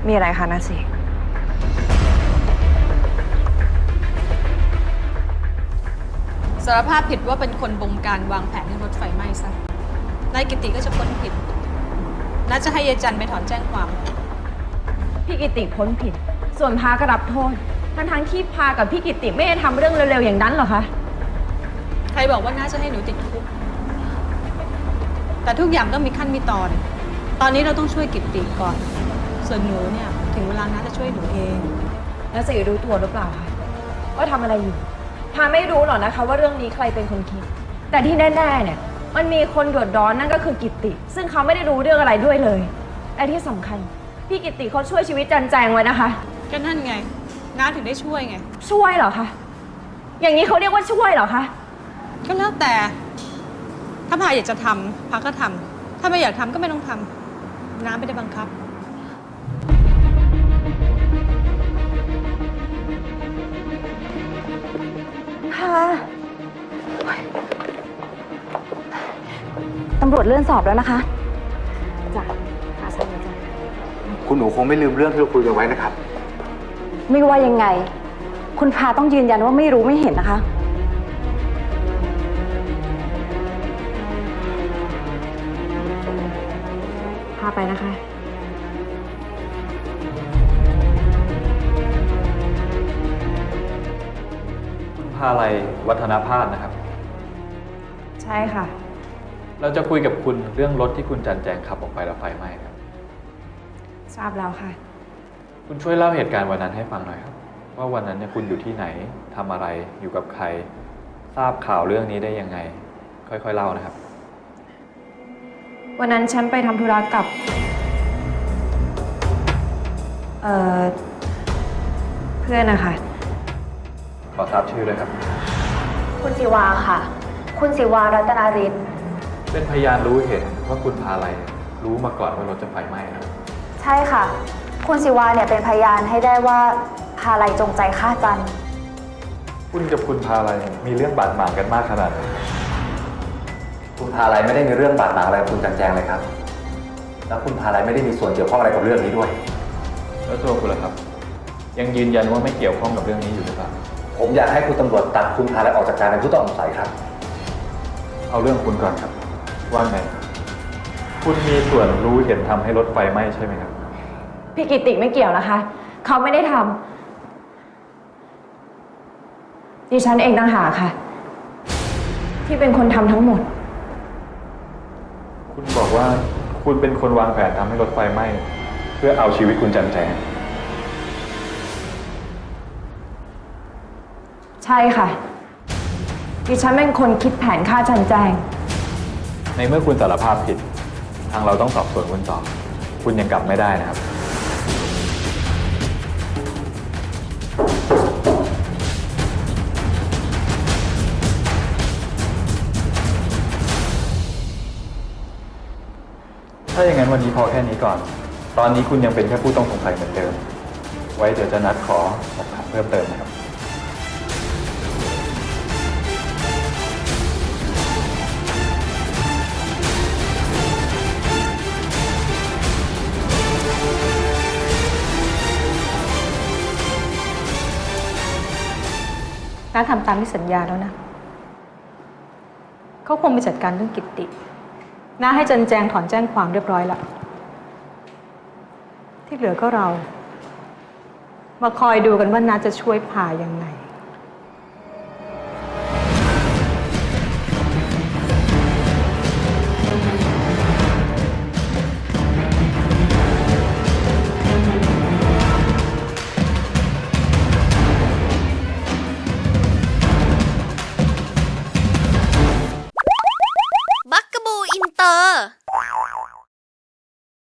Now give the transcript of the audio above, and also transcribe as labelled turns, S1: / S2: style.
S1: มีอะไรคะนาสิ
S2: สารภาพผิดว่าเป็นคนบงการวางแผนให้รถไฟไหม้ซะนายกิติก็จะพ้นผิดน่าจะให้ยายจันไปถอนแจ้งความ
S1: พี่กิติพ้นผิดส่วนพาก็รับโทษทั้งที่พากับพี่กิติไม่ได้ทำเรื่องเร็วๆอย่างนั้นหรอคะ
S2: ใครบอกว่าน่าจะให้หนูติดคุกแต่ทุกอย่างต้องมีขั้นมีตอนนี้เราต้องช่วยกิติก่อนส่วนหนูเนี่ยถึงเวลาน่าจะช่วยหนูเอง
S1: แล้วสิรู้ตัวหรือเปล่าคะว่าทำอะไรอยู่พาไม่รู้หรอกนะคะว่าเรื่องนี้ใครเป็นคนคิดแต่ที่แน่ๆเนี่ยมันมีคนเดือดร้อนนั่นก็คือกิติซึ่งเขาไม่ได้รู้เรื่องอะไรด้วยเลยและที่สำคัญพี่กิติเขาช่วยชีวิตจันแจงไว้นะคะ
S2: ก็นั่นไงน้าถึงได้ช่วยไง
S1: ช่วยเหรอคะอย่างนี้เขาเรียกว่าช่วยเหรอคะ
S2: ก็แล้วแต่ถ้าพาอยากจะทำพาก็ทำถ้าไม่อยากทำก็ไม่ต้องทำน้าไม่ได้บังคับ
S1: ค่ะตำรวจเลื่อนสอบแล้วนะคะจ้ะใช่จ้ะ
S3: คุณหนูคงไม่ลืมเรื่องที่เราคุยกันไว้นะครับ
S1: ไม่ว่ายังไงคุณพาต้องยืนยันว่าไม่รู้ไม่เห็นนะคะพาไปนะคะ
S4: คุณพาลัยวัฒนภาสนะครับ
S1: ใช่ค่ะ
S4: เราจะคุยกับคุณเรื่องรถที่คุณจันแจงขับออกไปแล้วไฟไหม้ครับ
S1: ทราบแล้วค่ะ
S4: คุณช่วยเล่าเหตุการณ์วันนั้นให้ฟังหน่อยครับว่าวันนั้นเนี่ยคุณอยู่ที่ไหนทำอะไรอยู่กับใครทราบข่าวเรื่องนี้ได้ยังไงค่อยๆเล่านะครับ
S1: วันนั้นฉันไปทำธุระกับเพื่อนนะคะ
S4: ขอทราบชื่อเลยครับ
S5: คุณศิวาค่ะคุณศิวารัตนาริศ
S4: เป็นพยานรู้เห็นว่าคุณพาลัยรู้มาก่อนว่ารถจะไฟไหม้นะ
S5: ใช่ค่ะคุณศิวาเนี่ยเป็นพยานให้ได้ว่าพาลัยจงใจฆ่าจัน
S4: คุณกับคุณพาลัยมีเรื่องบาดหมางกันมากขนาดไหน
S3: คุณพาลัยไม่ได้มีเรื่องบาดหมางอะไรกับคุณจันแจงเลยครับแล้วคุณพาลัยไม่ได้มีส่วนเกี่ยวข้องอะไรกับเรื่องนี้ด้วย
S4: แล้วตัวคุณล่ะครับยังยืนยันว่าไม่เกี่ยวข้องกับเรื่องนี้อยู่หรือเปล่า
S3: ผมอยากให้คุณตำรวจตัดคุณพาลัยออกจากการเป็นผู้ต้องสงสัยครับ
S4: เอาเรื่องคุณก่อนครับว่าไงคุณมีส่วนรู้เห็นทำให้รถไฟไหม้ใช่ไหมครับ
S1: พี่กิติไม่เกี่ยวนะคะเขาไม่ได้ทำดิฉันเองต่างหากค่ะที่เป็นคนทำทั้งหมด
S4: คุณบอกว่าคุณเป็นคนวางแผนทำให้รถไฟไหม้เพื่อเอาชีวิตคุณจันแจง
S1: ใช่ค่ะดิฉันเป็นคนคิดแผนฆ่าจันแจง
S4: ในเมื่อคุณสารภาพผิดทางเราต้องสอบสวนคุณต่อคุณยังกลับไม่ได้นะครับถ้าอย่างนั้นวันนี้พอแค่นี้ก่อนตอนนี้คุณยังเป็นแค่ผู้ต้องสงสัยเหมือนเดิมไว้เดี๋ยวจะนัดขอสอบถามเพิ่มเติมนะครับ
S2: น้าทำตามที่สัญญาแล้วนะเขาคงไปจัดการเรื่องกิตติน้าให้จันแจงถอนแจ้งความเรียบร้อยแล้วที่เหลือก็เรามาคอยดูกันว่าน้าจะช่วยพายังไง